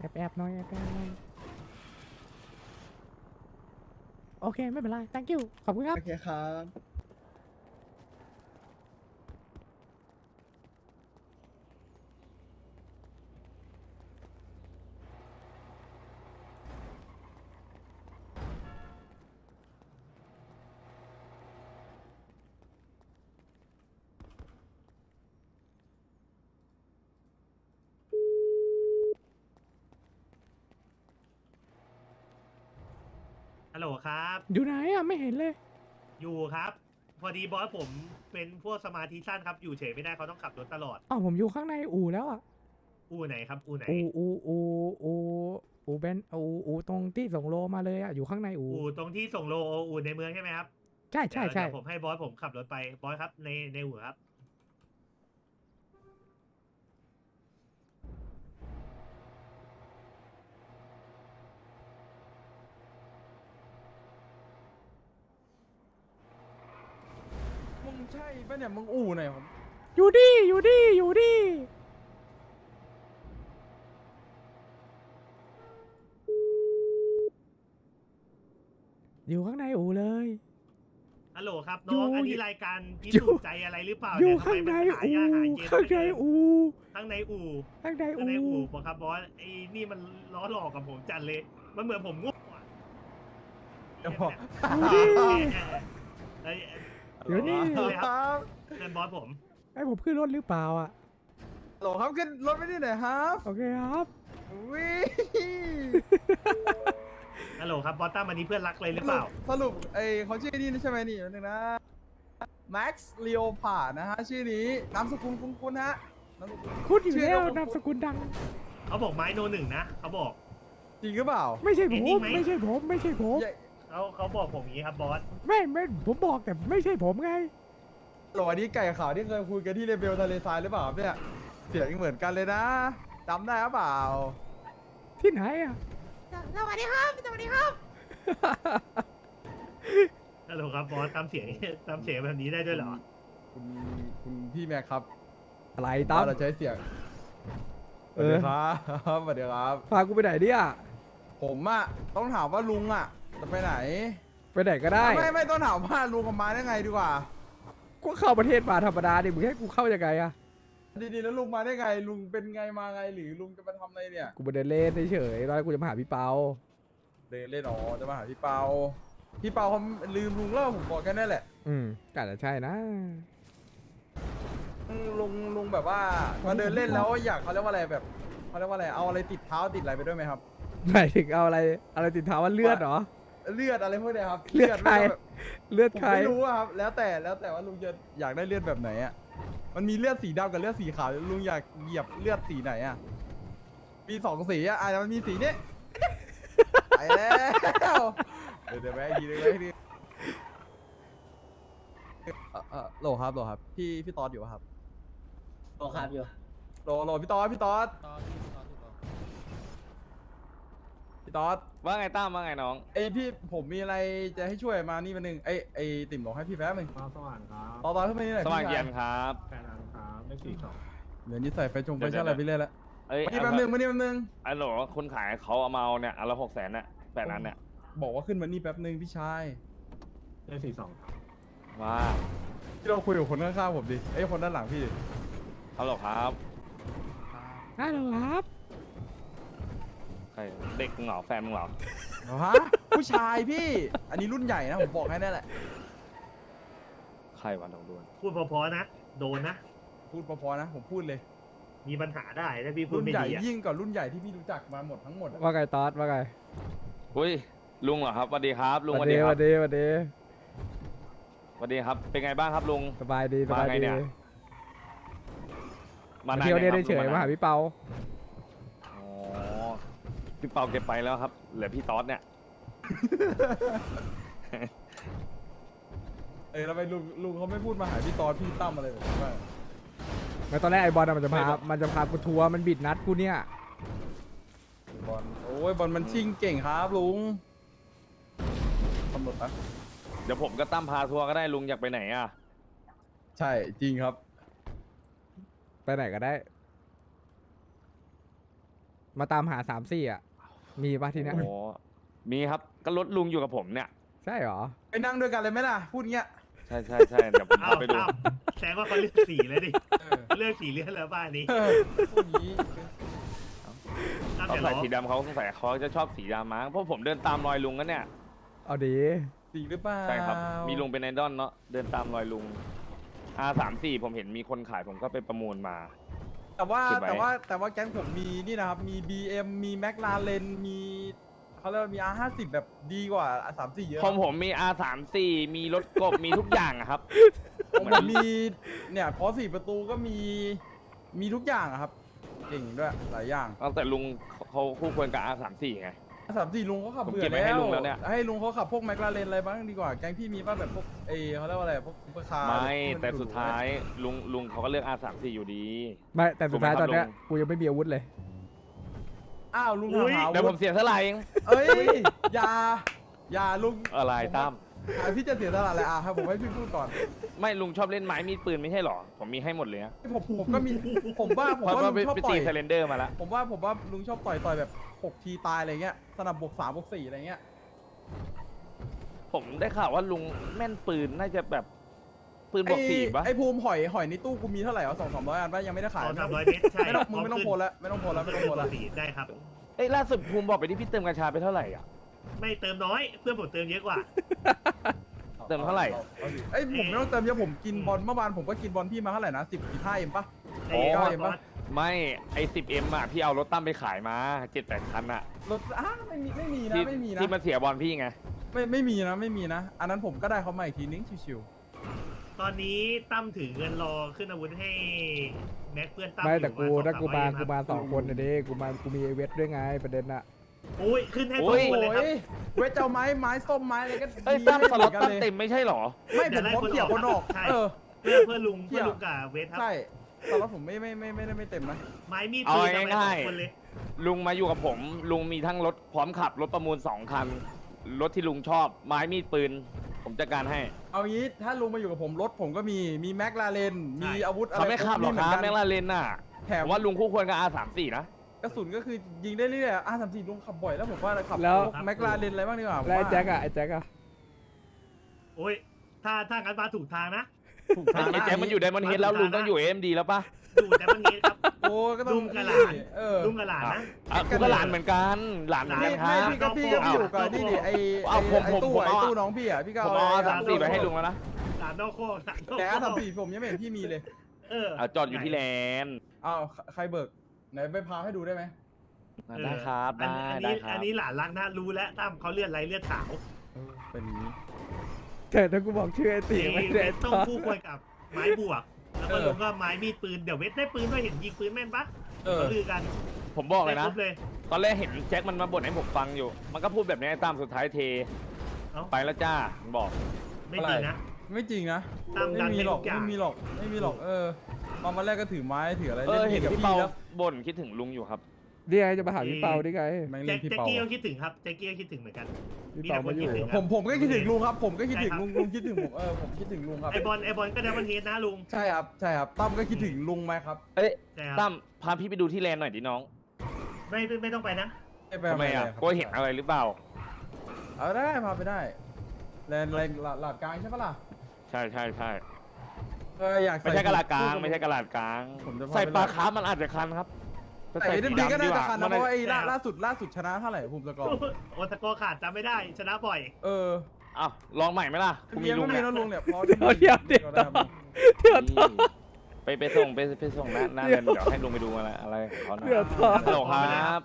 แอบหน่อยแอบหน่อยโอเคไม่เป็นไร thank you ขอบคุณครับโอเคครับฮัลโหลครับอยู่ไหนอ่ะไม่เห็นเลยอยู่ครับ พอดีบอสผมเป็นพวกสมาธิสั้นครับ อยู่เฉยไม่ได้เขาต้องขับรถตลอดอ้าวผมอยู่ข้างในอู่แล้วอ่ะอู่ไหนครับ อู่ไหนอู่อู่เบนอู่ตรงที่ส่งโลมาเลยอ่ะอยู่ข้างในอู่อู่ตรงที่ส่งโลอู่ในเมืองใช่ไหมครับใช่ใช่ใช่เดี๋ยวผมให้บอสผมขับรถไป บอสครับในอู่ครับมึงใช่ปะเนี่ยมึงอู่ไหนผมอยู่ดิอยู่ดิอยู่ดิอยู่ข้างในอู่เลยฮัลโหลครับอยู่น้อง อันนี้รายการพิอยู่สูจน์ใจอะไรหรือเปล่าอยู่เนี่ยทำข้างไมในมันหาอู่ยาหาเย็นข้างในอู่ข้างในอู่ข้างในข้างในอู่อู่บอกครับบอสไอ้นี่มันล้อหลอกกับผมจัดเลย มันเหมือนผมง่วงอ่ะเดี๋ยวบอกอยู่ดิเอ้ยเดี๋ยวนี่เลยครับเพื่อนบอสผมให้ผมขึ้นรถหรือเปล่าอ่ะโหลครับขึ้นรถไปที่ไหนครับโอเคครับวิฮัลโหลครับบอสตั้มอันนี้เพื่อนรักเลยหรือเปล่าสรุปไอเขาชื่อนี่ใช่ไหมนี่นึงนะ Max Leopard นะฮะชื่อนี้นามสกุลคุ้นๆฮะนามสกุลคุณอยู่ชื่อแล้วเรานามสกุลดังเขาบอกไม้โนหนึ่งนะเขาบอกจริงหรือเปล่าไม่ใช่ผจริมงไหมไม่ใช่ผมไม่ใช่ผมใหญ่เขาบอกผมอย่างนี้ครับบอสไม่ผมบอกแต่ไม่ใช่ผมไงโหลอันนี้ไก่ขาวที่เคยคุยกันที่เรเบลทะเลทรายหรือเปล่าครับเนี่ยเสียงเหมือนกันเลยนะจำได้หรือเปล่าที่ไหนอ่ะสวัสดีครับ สวัสดีครับฮัลโหลครับบอสตามเสียง ตามเสียงแบบนี้ได้ด้วยเหรอคุณคุณพี่แม็กครับอะไรตั้มเราใช้เสียงสเอวัสอดีครับสวัสดีครับพากูไปไหนเนี่ยผมอะต้องถามว่าลุงอะจะไปไหนไปไหนก็ได้ไม่ต้องถามว่าลุงกับมาได้ไงดีกว่ากูเข้าประเทศมาธรรมดาดิมึงให้กูเข้ายังไงอะดีๆแล้วลุงมาได้ไงลุงเป็นไงมาไงหรือลุงจะมาทำอะไรเนี่ยกูไปเดินเล่นเฉยๆตอนแรกกูจะมาหาพี่เปาเดินเล่นอ๋อจะมาหาพี่เปาพี่เปาเขาลืมลุงแล้วผมบอกแค่นั้นแหละก็อาจจะใช่นะลุงแบบว่ามาเดินเล่นแล้วอยากเขาเรียกว่าอะไรแบบเขาเรียกว่าอะไรเอาอะไรติดเท้าติดอะไรไปด้วยไหมครับหมายถึงเอาอะไรติดเท้าว่าเลือดเหรอเลือดอะไรพวกเนี้ยครับเลือดใครไม่ก็แบบเลือดผมใครไม่รู้อะครับแล้วแต่ว่าลุงจะอยากได้เลือดแบบไหนอะมันมีเลือดสีดำกับเลือดสีขาวลุงอยากเหยียบเลือดสีไหนอะมีสองสีอะอาจจะมันมีสีนี้ ไปแล้วเดี๋ยวแม่ทีนึงแม่ทีนึงโหลครับพี่ตอดอยู่ปะครับโอครับอยู่โหลพี่ตอดพี่ตอดว่าไงตั้มว่าไงน้องไอพี่ผมมีอะไรจะให้ช่วยมานี่มันหนึ่งไอติ่มหลงให้พี่แป๊บหนึงสว่างครับตอนขึ้นมานี่หน่อยสว่างพี่ชเย็นครับแฟนอันครับเลขสี่สองเดี๋ยวนี้ใส่ไฟแฟชั่นอะไรไปเรื่อยแล้วเอ้ยมานี่แป๊บหนึงมานี่แป๊บหนึงไอ้โหลคนขายเขาเอามาเอาเนี่ยอันละ600,000เนี่ย8นั้นเนี่ยบอกว่าขึ้นมานี่แป๊บหนึงพี่ชายเลขสี่สองครับว่าพี่เราคุยกับคนข้างๆผมดิไอยคนด้านหลังพี่ดิฮัลโหลครับฮัลโหลครับใครเด็กมึงเหรอแฟนมึงเหรอฮะผู้ชายพี่ อันนี้รุ่นใหญ่นะผมบอกให้นั่นแหละใครวะลองดูพูดเพอๆนะ โดนนะพูดพอๆนะผมพูดเลยมีปัญหาได้ถ้าพี่พูดรุ่นไม่ใหญ่ดีอะยิ่งกว่ารุ่นใหญ่ที่พี่รู้จักมาหมดทั้งหมดอะว่าไงตอดว่าไงอุ้ยลุงเหรอครับสวัสดีครับลุงสวัสดีดีคสรัวับสดีสวัสดีสวัสดีครับ เป็นไงบ้างครับลุงสบายดีสบายมาไงดีเนี่ยมาไหเที่ยวนี่เนี่ยครับเฉยลุงๆมาหาพี่เปาอ๋อพี่เปาเก็บไปแล้วครับเหลือพี่ต๊อดเนี่ยแล้วไปลุงเขาไม่พูดมาหาพี่ตอนพี่ตั้มอะไรแบบนี้ว่าแล้วตอนแรกไอ้บอลมันจะพากูทัวร์มันบิดนัดกูเนี่ยบอลโอ้ยบอลมันชิงเก่งครับลุงตำรวจนะเดี๋ยวผมก็ตั้มพาทัวร์ก็ได้ลุงอยากไปไหนอ่ะใช่จริงครับไปไหนก็ได้มาตามหา3-4อ่ะ มีปะทีเนี้ยโอ้มีครับก็รถลุงอยู่กับผมเนี่ยใช่เหรอไปนั่งด้วยกันเลยไหมล่ะพูดเงี้ยใช่ใช่ใช่เดี๋ยวผมเอาพาไปดูตั้มแสดงว่าเขาเลือกสีเลยดิเออเลือกสีเลือดแล้วบ้านนี้พูดงี้ตั้มเขาอย่าใส่ล้อสีดำเขาสงสัยเขาจะชอบสีดำมั้งเพราะผมเดินตามรอยลุงกันเนี่ยเอาดีจริงหรือเปล่าใช่ครับ มีลุงเป็นไอดอลเนาะเดินตามรอยลุง R34 ผมเห็นมีคนขายผมก็ไปประมูลมาแต่ว่าเก็บไว้แต่ว่าแก๊งผมมีนี่นะครับ มี BM มี McLaren มีเขาเรียกว่ามี R50 แบบดีกว่า R34 เยอะผมมี R34 มีรถกบ มีทุกอย่างอะครับของผมมีเนี่ยพอ4ประตูก็มีทุกอย่างอะครับ เก่งด้วยหลายอย่างตั้งแต่ลุงเขาคู่ควรกับ R34 ไง R34 ลุงเขาขับผมเบื่เก็อบไว้ให้แล้วลุงแล้วเนี่ยให้ลุงเขาขับพวก McLaren อะไรบ้างดีกว่าแก๊งพี่มีป่ะแบบพวกเขาเรียกว่าอะไรพวกซุปเปอร์คาร์ไม่ที่นแต่หรูๆสุดท้ายลุงเขาก็เลือก R34 อยู่ดีไม่แต่สุดท้ายถูกไหมครับตอนเนี้ยลุงกูยังไม่มีอาวุธเลยอ้าวลุงอุ๊ยหาเดี๋ยวผมเสียสละเองเอ้ยอย่าลุงอะไรตั้มพี่จะเสียสละอะไรให้ผมให้พี่พูดก่อนไม่ลุงชอบเล่นไม้มีดปืนไม่ใช่หรอ ผมมีให้หมดเลยนะผมก็มีผมว่าเพราะลุว่าง ไปชอบไปต่ตีอยเซเลนเดอร์มาแล้วผมว่าลุงชอบต่อยแบบ6 ทีตายอะไรเงี้ยสนับบวก3 บวก 4อะไรเงี้ยผมได้ข่าวว่าลุงแม่นปืนน่าจะแบบปืนบวกสี่ปะไอ้ภูมิหอยในตู้กูมีเท่าไหร่วะ200-300 อันปะยังไม่ได้ขาย 200-300 เมตรใช่ไม่ต้องโพลแล้วไม่ต้องโพลแล้วไม่ต้องโพลแล้วสีได้ครับเอ้ยล่าสุดภูมิบอกไปที่พี่เติมกัญชาไปเท่าไหร่อ่ะไม่เติมน้อยเพื่อนผมเติมเยอะกว่าเติมเท่าไหร่เอ้ยผมไม่ต้องเติมเยอะผมกินบอลเมื่อวานผมก็กินบอลพี่มาเท่าไหร่นะ15 เอ็มปะไอ้อ๋อบอสไม่ไอ10M อ่ะพี่เอารถตั้มไปขายมา7-8 คันอ่ะรถไม่มีนะที่ไม่มีนะที่มันเสียบอลพี่ไงไม่มีนะอันนั้นผมก็ได้เขามาอีกทีนึงชิวตอนนี้ตั้มถือเงินรอขึ้นอาวุธให้แม็กเพื่อนตั้มไม่แต่อยู่ถ้ากูมา 200-300 กูมา2 คนนะเด้กูมีไอเวทด้วยไงประเด็นอะอุ้ยขึ้นให้โอ้สองๆคนเลยครับโอ้ยเวทเจ้าไม้ส้มไม้อะไรก็เอ้ยดีตั้มสล็อตให้ตั้มหนกันเต็มไม่ใช่หรอไม่เดี๋ผยวมไล่พร้อมคนเกี่ยวออกคนออกใช่ เพื่อนลุงกับเวทครับใช่สล็อตผมไม่เต็มนะไม้มีดเอาปืนทำไมสง่าอย งคนเลยๆลุงมาอยู่กับผม ลุงมีทั้งรถพร้อมขับรถประมูล2 คัน รถที่ลุงชอบไม้มีดปืน ผมจัดการให้เอางี้ถ้าลุงมาอยู่กับผมรถผมก็มีแม็กลาเรนมีอาวุธอะไรเขาไม่ขับหรอกครับแม่งละลาเลนน่ะแถผม มว่าลุงคู่ควรกับ R34 นะกระสุนก็คือยิงได้เรื่อยๆR34ลุงขับบ่อยแล้วผมว่าขับแล้วแม็กลาเรนอะไรบ้างดีกว่าผมแล้วไอ้ว่าแจ็คอะไอ้แจ็คอะโอ้ยถ้างั้นมาถูกทางนะถูกไอ้ทางแจ็คมันอยู่ไดมอนด์เฮดแล้วลุงต้องอยู่ AMD แล้วปะดูแต่บางทีครับโอ้ก็ต้องลุงกับหลานเออลุงกับหลานนะอ่ะกูก็หลานเหมือนกัน หลานเหมือนกันคไม่รับพี่ก็อยู่กับนี่ดิไอ้เอาผมไอ้ตู้ผมไอ้เอาตู้น้องพี่อ่ะพี่ก็ผมเอาเอาไอ้ R34 ไปให้ลุงแล้วนะหลานนอกโคกหลานนอกแต่โคก R34ผมยังไม่เห็นพี่มีเลยอ่ะจอดอยู่ที่แลนด์อ้าวใครเบิกไหนไปพาให้ดูได้ไหมได้ครับอันได้นี้ครัอับนนี้หลานรักนะรู้แล้วตั้มเขาเลือดไรเลือดขาวเป็นอย่างนี้แต่ถ้ากูบอกชื่อไอ้ตีไม่เวได้ทต้องคู่ควรกับไม้บวก แล้วก็ลุงก็ไม้มีดปืนเดี๋ยวเวทได้ปืนด้วยเห็นยิงปืนแม่นปะเออเขาลือกันผมบอกเลยได้นะครบเลยตอนแรกเห็นแจ็คมันมาบ่นให้ผมฟังอยู่ มันก็พูดแบบนี้ไอ้ตามสุดท้ายเทเอ้าไปแล้วจ้ามันบอกไม่จริงนะไม่จริงนะตามดัไม่นมีให้หรทุอกกอย่างไม่มีหรอกมาวันแรกก็ถือไม้ถืออะไรเห็นกับพี่พี่เปาแล้วบ่นคิดถึงลุงอยู่ครับนี่ไงจะมาหาพี่เปาดิไงแม่งแจ็เล่คนพี่แจ็คเปากี้ก็คิดถึงครับแจ็คกี้ก็คิดถึงเหมือนกันพี่มีเปาแต่คมาน อยู่คิดถึงผมก็คิดถึงลุงครับผมก็คิดถึงใช่ครับลุงคิดถึงผมผมคิดถึงลุงครับไอบอลก็ได้วันเฮดนะลุงใช่ครับตั้มก็คิดถึงลุงไหมครับเอ้ยใช่ครับตั้มพาพี่ไปดูที่แลนด์หน่อยดิน้องไม่ต้องไปนะทำไมอ่ะกลัวเห็นอะไรหรือเปล่าเอาได้พาไปได้แลนหลาดกลางใช่ปะล่ะใช่ใช่ใช่อยากไม่ใช่กระดาษกลางไม่ใช่กระดาษกลางผมจะพาไปใส่ปลาคาร์ฟมันอาจจะคันครับใส่ดีก็น่าจะคันนะเพราะว่าไอ้ใช่ครับล่าสุดชนะเท่าไหร่ภูมิสกอร์โอตะโกขาดจำไม่ได้ชนะบ่อยเอออ้าวลองใหม่ไหมล่ะกูมีเมียลุก็งมีเนี่ยนะลุงเนี่ยพอเดี๋ยวได้ครับไปส่งไปส่งหน้าเงินเดี๋ยวให้ลุงไปดูอะไรของเขาหน่อยเดี๋ยวต่อฮัลโหลครับ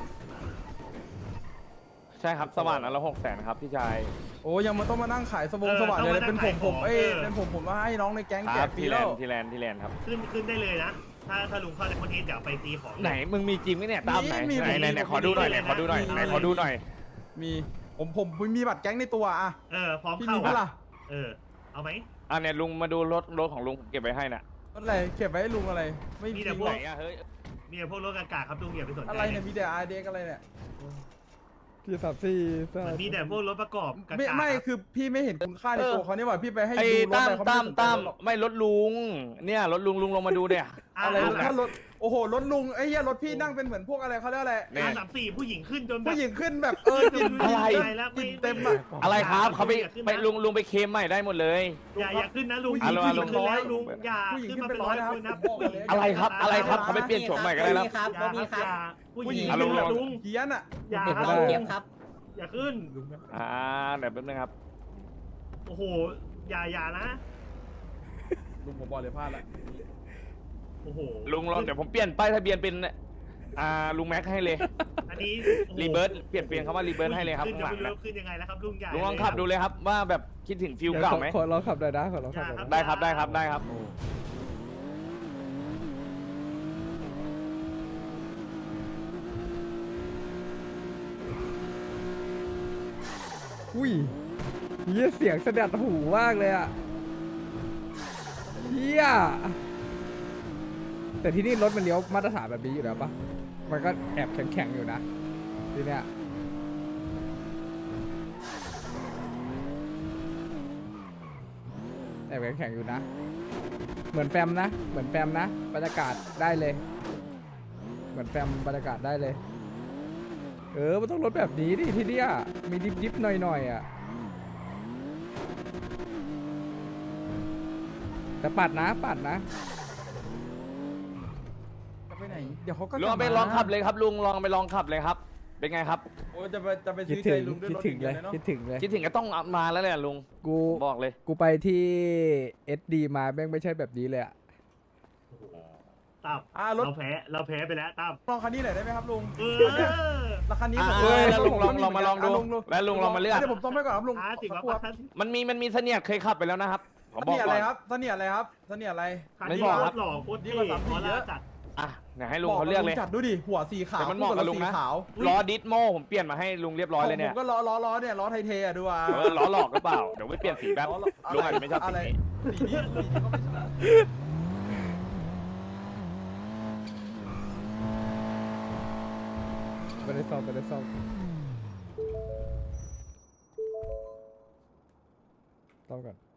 ใช่ครับสว่านอันละ600,000ครับพี่ชายโอ้ยังมันต้องมานั่งขายสว่างเลยเป็นผมเป็นผมมาให้น้องในแก๊งคแจรักบฟรีที่แลแล้นวด์ที่แลนด์ครับขึ้นได้เลยนะ ถ้าลุงเข้าในวันเฮดเดี๋ยวไปตีของไหนมึงมีจริงไหมเนี่ยตามไหนมีไหนขอดูหน่อยไหนขอดูหน่อยไหนขอดูหน่อยมีผมมีบัตรแก๊งในตัวอ่ะพร้อมพี่เข้ามีปะล่ะเอาไหมอ่ะเนี่ยลุงมาดูรถของลุงเก็บไว้ให้น่ะรถอะไรเก็บไว้ให้ลุงอะไร ไม่มีมีแต่จริงพหวรกอกไหนอ่ะเฮ้ยมีแต่พวกรถกากาครับลุงอย่าไปสนใจอะไรเนี่ยมีแต่อาร์เด็กอะไรเนี่ยพี่34 มันมีแต่พวกรถประกอบกากาไม่คือพี่ไม่เห็นคุณค่าในตัวเขาเนี่ยว่าพี่ไปให้ไอ้ดูรถตั้อะมไรเขาตั้มไม่สนใจตั้มหรอกไม่รถลุงเนี่ยรถลุงลงมาดูเดี๋ยออะไรอ่ะถ้ารถโอ้โหรถลุงไอ้เหี้ยรถพี่นั่งเป็นเหมือนพวกอะไรเขาเรียกอะไรเนี่ย R34ผู้หญิงขึ้นจนแบบผู้หญิงขึ้นแบบกลิ่นอะไรแล้วกลิ่ไม่นเต็มอ่ะอะไรครับเขาไปลุงไปเคลมใหม่ได้หมดเลยอย่าขึ้นนะลุงผู้หญิงผู้หญิงขึ้นแล้วลุลุงงอย่าผู้หญิงขึ้นมาขึ้เป็น นไปร้อย 100 คนนะนะครับผู้หญิงอะไรครับอะไรครับเขาไปเปลี่ยนโฉมใหม่ก็ได้แล้วครับบ่มีครับผู้หญิงอ่ะขึ้นลุแล้วงลุงเฮียนอ่ะอย่าเห็นคไม่รับได้เกมครับอย่าขึ้นเดี๋ยวแป๊บนึงครับโอ้โหอย่านะลุงผมบอกเลยพลาดละโอ้โหลุงลองเดี๋ยวผมเปลี่ยนป้ายทะเบียนเป็นลุงแม็กให้เลยอันนี้โอ้โหรีเบิร์ตเปลี่ยนคำว่ารีเบิร์ตให้เลยครับขึ้นข้างหลังจะไม่นะรู้ขึ้นยังไงแล้วครับลุงใหญ่ลุงลองขับดูเลยครับว่าแบบคิดถึงฟิลเดี๋ยวเก่าไหมขอลองขับหน่อยนะขอลองขับหน่อยนะได้ครับได้ครับได้ครับอุ้ยเฮียเสียงสะดัดหูมากเลยอ่ะเฮียแต่ที่นี่รถมันเลี้ยวมาตรฐานแบบนี้อยู่แล้วปะมันก็แอบแข็งๆอยู่นะทีเนี้ยแอบแข็งๆอยู่นะ เหมือนแฟมนะเหมือนแฟมนะบรรยากาศได้เลย เหมือนแฟมบรรยากาศได้เลยมันต้องรถแบบนี้ดิที่เนี้ยมีดิบๆหน่อยๆอ่ะแต่ปัดนะจะไปไหนเดี๋ยวเขาก็ลุงเอาไปลองขับเลยครับลุงลองไปลองขับเลยครับ เป็นไงครับโอ้จะไปคิดซื้อถึใจงลุงด้วยคิดรถถึงเลยเนาะคิดถึงเลยคิดถึงก็ต้องมาแล้วแหละลุงกูบอกเลยกูไปที่ SD มาแม่งไม่ใช่แบบนี้เลยอะตั้มรถเราแพ้ไปแล้วตั้มลองคันนี้หน่อยได้ไหมครับลุงราคันนี้ผมแล้วลุงลองมาลองดูแล้วลุงลองมาเลือกเดี๋ยวผมต้องไปก่อนครับลุงสิบสักว่าครู่ครับมันมีเสนียดเคยขับไปแล้วนะครับผมเสบอกนียดก่อะไรอนครับเสนียดอะไรครับเสนียดอะไรคันไม่นี้บอกรครับถหล่อโคตรดีเท่กว่า3-4 ขอเยลาอะจัดไหนให้ลุงเขาเลือกเลยจัดดูดิหัวสีขาวแต่มันเหมาะกับลุงนะสีขาวล้อดิสโมผมเปลี่ยนมาให้ลุงเรียบร้อยเลยเนี่ผยมก็ล้อเนี่ยล้อไทยเทอะดูอ่ะล้อหลอกหรือเปล่าเดี๋ยวไปเปลี่ยนสีแป๊บลุงอาจจะไม่ชอบสีอะไรนี้สีนี้ก็ไม่ใช่ไม่ได้ซ่อมซ่อมก่อน